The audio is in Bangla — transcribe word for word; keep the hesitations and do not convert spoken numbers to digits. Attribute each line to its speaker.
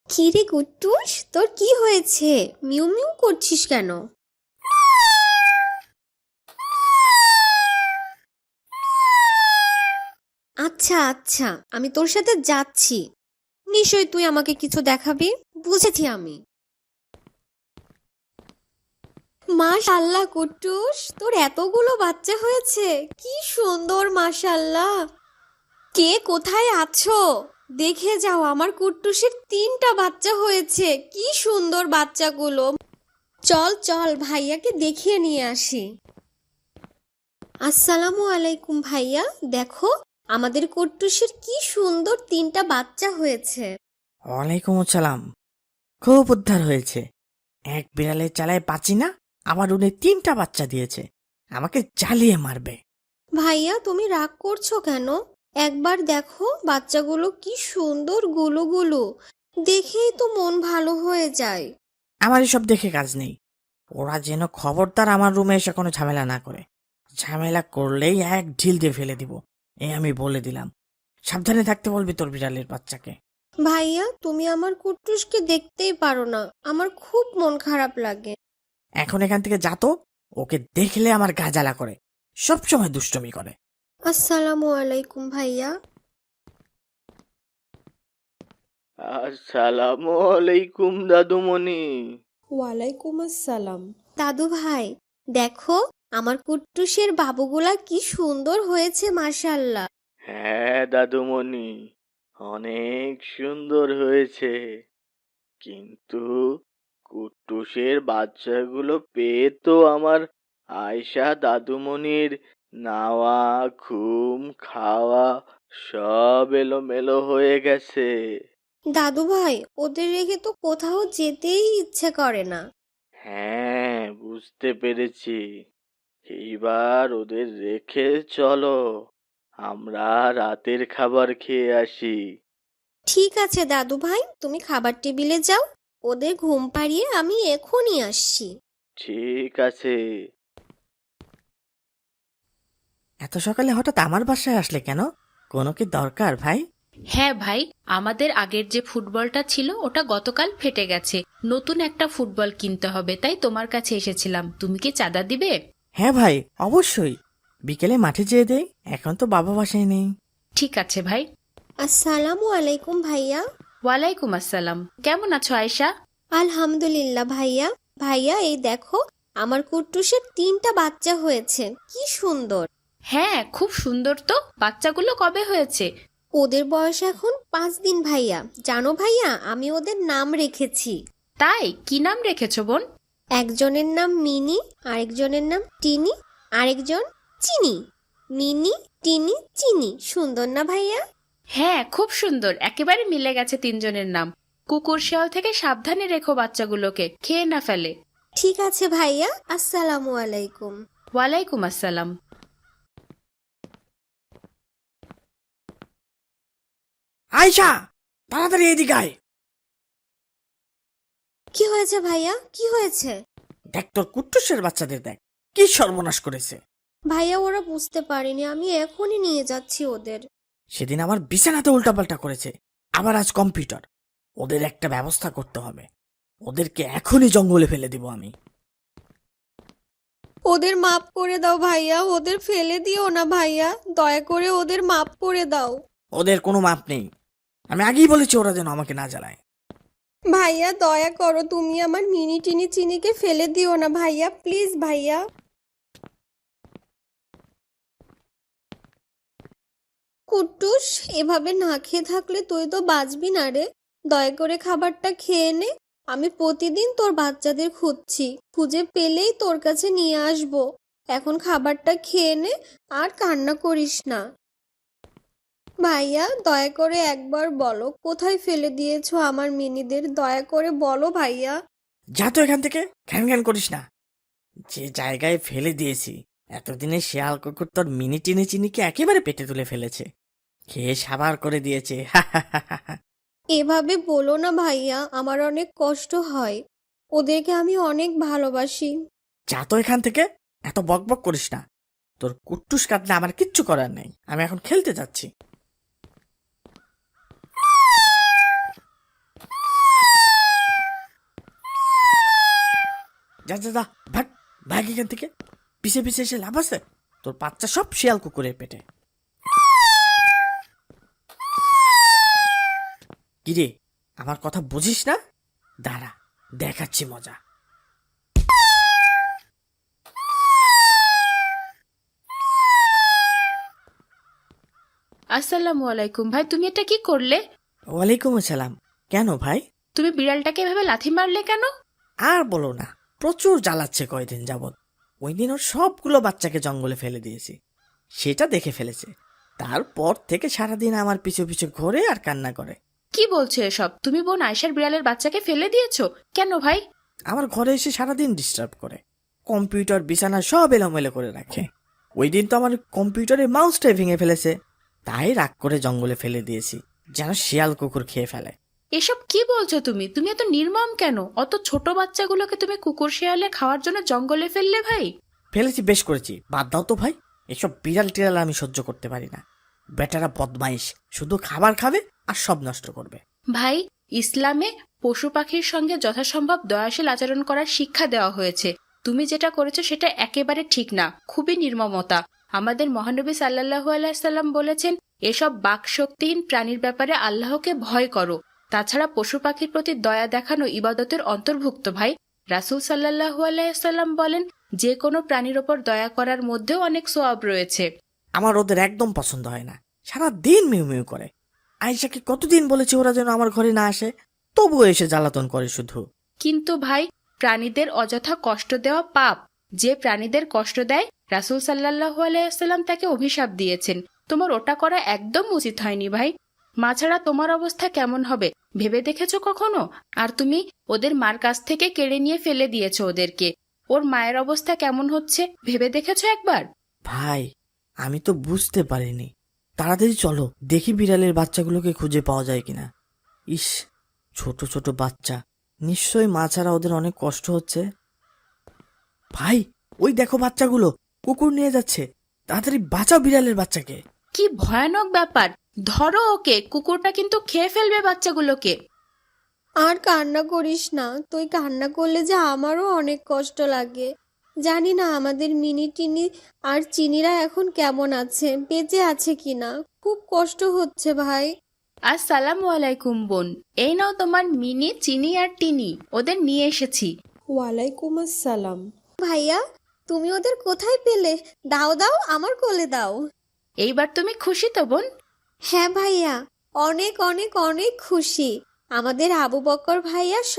Speaker 1: কিরে কুট্টুস, তোর কি হয়েছে? মিউ মিউ করছিস কেন? আচ্ছা আচ্ছা, আমি তোর সাথে যাচ্ছি। নিশ্চয় তুই আমাকে কিছু দেখাবি। বুঝেছি আমি। মাশাআল্লাহ কুট্টুস, তোর এতগুলো বাচ্চা হয়েছে। কি সুন্দর, মাশাআল্লাহ। কে কোথায় আছো? দেখে যাও, আমার কুট্টুসের তিনটা বাচ্চা হয়েছে। কি সুন্দর বাচ্চাগুলো। চল চল, ভাইয়াকে দেখিয়ে নিয়ে আসি। আসসালামু আলাইকুম ভাইয়া। দেখো, আমাদের কুট্টুসের কি সুন্দর তিনটা বাচ্চা হয়েছে।
Speaker 2: ওয়ালাইকুম আসসালাম। খুব উদ্ধার হয়েছে। এক বিড়ালের চালায় বাঁচি না, আবার উনি তিনটা বাচ্চা দিয়েছে। আমাকে জ্বালিয়ে মারবে।
Speaker 1: ভাইয়া, তুমি রাগ করছো কেন? একবার দেখো বাচ্চাগুলো কি সুন্দর গুলো গুলো। দেখেই তো মন ভালো হয়ে যায়।
Speaker 2: আমার এসব দেখে কাজ নেই। ওরা যেন খবরদার আমার রুমে এসে কোনো ঝামেলা না করে। ঝামেলা করলেই এক ঢিল দিয়ে ফেলে দিব, এই আমি বলে দিলাম। সাবধানে থাকতে বলবি তোর বিড়ালের বাচ্চাকে।
Speaker 1: ভাইয়া, তুমি আমার কুট্টুসকে দেখতেই পারো না, আমার খুব মন খারাপ লাগে।
Speaker 2: এখন এখান থেকে যা তো। ওকে দেখলে আমার গা জ্বালা করে, সবসময় দুষ্টুমি করে।
Speaker 1: আসসালামু আলাইকুম ভাইয়া।
Speaker 3: আসসালামু আলাইকুম দাদুমণি।
Speaker 1: ওয়ালাইকুম আসসালাম। দাদু ভাই, দেখো আমার কুট্টুসের বাবুগুলা কি সুন্দর হয়েছে, মাশাআল্লাহ।
Speaker 3: হ্যাঁ দাদুমণি, অনেক সুন্দর হয়েছে, কিন্তু কুট্টুসের বাচ্চাগুলো পেয়ে তো আমার আয়শা দাদুমণির নাওয়া, ঘুম, খাওয়া সব এলোমেলো হয়ে গেছে।
Speaker 1: দাদু ভাই, ওদের রেখে তো কোথাও যেতেই ইচ্ছে করে না।
Speaker 3: হ্যাঁ, বুঝতে পেরেছি। এইবার ওদের রেখে চলো, আমরা রাতের খাবার খেয়ে আসি।
Speaker 1: ঠিক আছে দাদু ভাই, তুমি খাবার টেবিলে যাও। ওদের ঘুম পাড়িয়ে আমি এখনই আসছি।
Speaker 3: ঠিক আছে।
Speaker 2: এত সকালে হঠাৎ আমার বাসায় আসলে কেন? কোনো কি দরকার ভাই?
Speaker 4: হ্যাঁ ভাই, আমাদের আগের যে ফুটবলটা ছিল ওটা গতকাল ফেটে গেছে। নতুন একটা ফুটবল কিনতে হবে, তাই তোমার কাছে এসেছিলাম। তুমি কি চাঁদা দিবে?
Speaker 2: হ্যাঁ ভাই, অবশ্যই। বিকেলে মাঠে যেয়ে দেই, এখন তো বাবা বাসায় নেই।
Speaker 4: ঠিক আছে ভাই।
Speaker 1: আসসালামু আলাইকুম ভাইয়া।
Speaker 4: ওয়ালাইকুম আসসালাম। কেমন আছো আয়শা?
Speaker 1: আলহামদুলিল্লাহ ভাইয়া। ভাইয়া, এই দেখো, আমার কুট্টুসের তিনটা বাচ্চা হয়েছে। কি সুন্দর।
Speaker 4: হ্যাঁ, খুব সুন্দর তো। বাচ্চাগুলো কবে হয়েছে?
Speaker 1: ওদের বয়স এখন পাঁচ দিন ভাইয়া। জানো ভাইয়া, আমি ওদের নাম রেখেছি।
Speaker 4: তাই? কি নাম রেখেছো বোন?
Speaker 1: একজনের নাম মিনি, আরেকজনের নাম টিনি, আরেকজন চিনি। মিনি, টিনি, চিনি। সুন্দর না ভাইয়া?
Speaker 4: হ্যাঁ, খুব সুন্দর। একেবারে মিলে গেছে তিনজনের নাম। কুকুর শেয়াল থেকে সাবধানে রেখো বাচ্চাগুলোকে, খেয়ে না ফেলে।
Speaker 1: ঠিক আছে ভাইয়া। আসসালামু আলাইকুম।
Speaker 4: ওয়ালাইকুম আসসালাম।
Speaker 2: আয়শা, তাড়াতাড়ি এদিকে আয়।
Speaker 1: কি হয়েছে ভাইয়া, কি হয়েছে?
Speaker 2: দেখ তোর কুট্টুসের বাচ্চাদের দেখ, কি সর্বনাশ করেছে।
Speaker 1: ভাইয়া, ওরা বুঝতে পারেনি, আমি এখনই নিয়ে যাচ্ছি ওদের।
Speaker 2: সেদিন আমার বিছানাতে উল্টাপাল্টা করেছে, আবার আজ কম্পিউটার। ওদের একটা ব্যবস্থা করতে হবে। ওদেরকে এখনই জঙ্গলে ফেলে দিব আমি।
Speaker 1: ওদের মাফ করে দাও ভাইয়া, ওদের ফেলে দিও না ভাইয়া, দয়া করে ওদের মাফ করে দাও।
Speaker 2: ওদের কোনো মাপ নেই। আমি আগেই বলেছি ওরা যেন আমাকে না জ্বালায়।
Speaker 1: ভাইয়া, দয়া করো, তুমি আমার মিনি টিনি চিনিকে ফেলে দিও না ভাইয়া, প্লিজ ভাইয়া। কুট্টুস, এভাবে না খেয়ে থাকলে তুই তো বাঁচবি না রে। দয়া করে খাবারটা খেয়ে নে। আমি প্রতিদিন তোর বাচ্চাদের খুঁজছি, খুঁজে পেলেই তোর কাছে নিয়ে আসবো। এখন খাবারটা খেয়ে নে, আর কান্না করিস না। ভাইয়া, দয়া করে একবার বলো, কোথায় ফেলে দিয়েছো আমার মিনিদের? দয়া করে বলো ভাইয়া।
Speaker 2: যা তো এখান থেকে, ঘ্যান ঘ্যান করিস না। যে জায়গায় ফেলে দিয়েছি, এতদিনে শিয়াল কুকুর তোর মিনি টিনি চিনিকে একেবারে পেটে তুলে ফেলেছে, খেয়ে সাবার করে দিয়েছে।
Speaker 1: এভাবে বলো না ভাইয়া, আমার অনেক কষ্ট হয়। ওদেরকে আমি অনেক ভালোবাসি।
Speaker 2: যা তো এখান থেকে, এত বক বক করিস না। তোর কুট্টুস কাটলে আমার কিচ্ছু করার নেই, আমি এখন খেলতে যাচ্ছি। যা যা যা ভাগ ভাগ এখান থেকে। পিছে পিছে এসে লাভ আছে? তোর বাচ্চা সব শিয়াল কুকুরের পেটে। কিরে, আমার কথা বুঝিস না? দাঁড়া, দেখাচ্ছি মজা।
Speaker 4: আসসালামু আলাইকুম ভাই, তুমি এটা কি করলে?
Speaker 2: ওয়ালাইকুম আসসালাম। কেন ভাই?
Speaker 4: তুমি বিড়ালটাকে এভাবে লাথি মারলে কেন?
Speaker 2: আর বলো না, প্রচুর জ্বালাচ্ছে কয়দিন যাবৎ। ওই দিন ওর সবগুলো বাচ্চাকে জঙ্গলে ফেলে দিয়েছি, সেটা দেখে ফেলেছে। তারপর থেকে সারাদিন আমার পিছু পিছু ঘোরে আর কান্না করে।
Speaker 4: কি বলছো এসব? তুমি বোন আয়শার বিড়ালের বাচ্চাকে ফেলে দিয়েছো কেন ভাই?
Speaker 2: আমার ঘরে এসে সারাদিন ডিস্টার্ব করে, কম্পিউটার বিছানা সব এলোমেলো করে রাখে। ওই দিন তো আমার কম্পিউটারের মাউসটাই ভেঙে ফেলেছে, তাই রাগ করে জঙ্গলে ফেলে দিয়েছি, যেন শিয়াল কুকুর খেয়ে ফেলে।
Speaker 4: এসব কি বলছো তুমি? তুমি এত নির্মম কেন? অত ছোট বাচ্চাগুলোকে তুমি কুকুর শিয়ালে খাওয়ার জন্য জঙ্গলে ফেললে ভাই?
Speaker 2: ফেলেছি, বেশ করেছি, বাদ দাও তো ভাই। এসব বিড়াল টিড়াল আমি সহ্য করতে পারি না। বেটারা বদমাইশ, শুধু খাবার খাবে আর সব নষ্ট করবে।
Speaker 4: ভাই, ইসলামে পশু পাখির সঙ্গে যথাসম্ভব দয়াশীল আচরণ করার শিক্ষা দেওয়া হয়েছে। তুমি যেটা করেছো সেটা একেবারে ঠিক না, খুবই নির্মমতা। আমাদের মহানবী সাল্লাল্লাহু আলাইহি সাল্লাম বলেছেন, এসব বাকশক্তিহীন প্রাণীর ব্যাপারে আল্লাহকে ভয় করো। তাছাড়া পশু পাখির প্রতি দয়া দেখানো ইবাদতের অন্তর্ভুক্ত ভাই। রাসূল সাল্লাল্লাহু আলাইহি সাল্লাম বলেন, যে কোনো প্রাণীর ওপর দয়া করার মধ্যেও অনেক সওয়াব রয়েছে।
Speaker 2: আমার ওদের একদম পছন্দ হয় না, সারা দিন মিউ মিউ করে। আয়েশাকে কতদিন বলেছি ওরা যেন আমার ঘরে না আসে, তবুও এসে জ্বালাতন করে শুধু।
Speaker 4: কিন্তু ভাই, প্রাণীদের অযথা কষ্ট দেওয়া পাপ। যে প্রাণীদের কষ্ট দেয়, রাসূল সাল্লাল্লাহু আলাইহি সাল্লাম তাকে অভিশাপ দিয়েছেন। তোমার ওটা করা একদম উচিত হয়নি ভাই। মা ছাড়া তোমার অবস্থা কেমন হবে ভেবে দেখেছো কখনো? আর তুমি ওদের মার কাছ থেকে কেড়ে নিয়ে ফেলে দিয়েছো ওদেরকে। ওর মায়ের অবস্থা কেমন হচ্ছে ভেবে দেখেছো একবার?
Speaker 2: ভাই, আমি তো বুঝতে পারিনি। তাড়াতাড়ি চলো, দেখি বিড়ালের বাচ্চাগুলোকে খুঁজে পাওয়া যায় কিনা। ইস, ছোট ছোট বাচ্চা, নিশ্চয়ই মা ছাড়া ওদের অনেক কষ্ট হচ্ছে। ভাই, ওই দেখো বাচ্চাগুলো, কুকুর নিয়ে যাচ্ছে। তাড়াতাড়ি বাঁচাও বিড়ালের বাচ্চাকে।
Speaker 4: কি ভয়ানক ব্যাপার! ধরো ওকে, কুকুরটা কিন্তু খেয়ে ফেলবে বাচ্চাগুলোকে।
Speaker 1: আর কান্না করিস না, তুই কান্না করলে যে আমারও অনেক কষ্ট লাগে। জানি না আমাদের মিনি টিনি আর চিনিরা এখন কেমন আছে, বেঁচে আছে কিনা। খুব কষ্ট হচ্ছে ভাই।
Speaker 4: আসসালামু আলাইকুম বোন, এই নাও তোমার মিনি, চিনি আর টিনি, ওদের নিয়ে এসেছি।
Speaker 5: ওয়ালাইকুম আসসালাম।
Speaker 1: ভাইয়া, তুমি ওদের কোথায় পেলে? দাও দাও, আমার কোলে দাও।
Speaker 4: এইবার তুমি খুশি তো বোন?
Speaker 1: হ্যাঁ ভাইয়া, অনেক অনেক অনেক খুশি। আমাদের আবু বকর ভাইয়া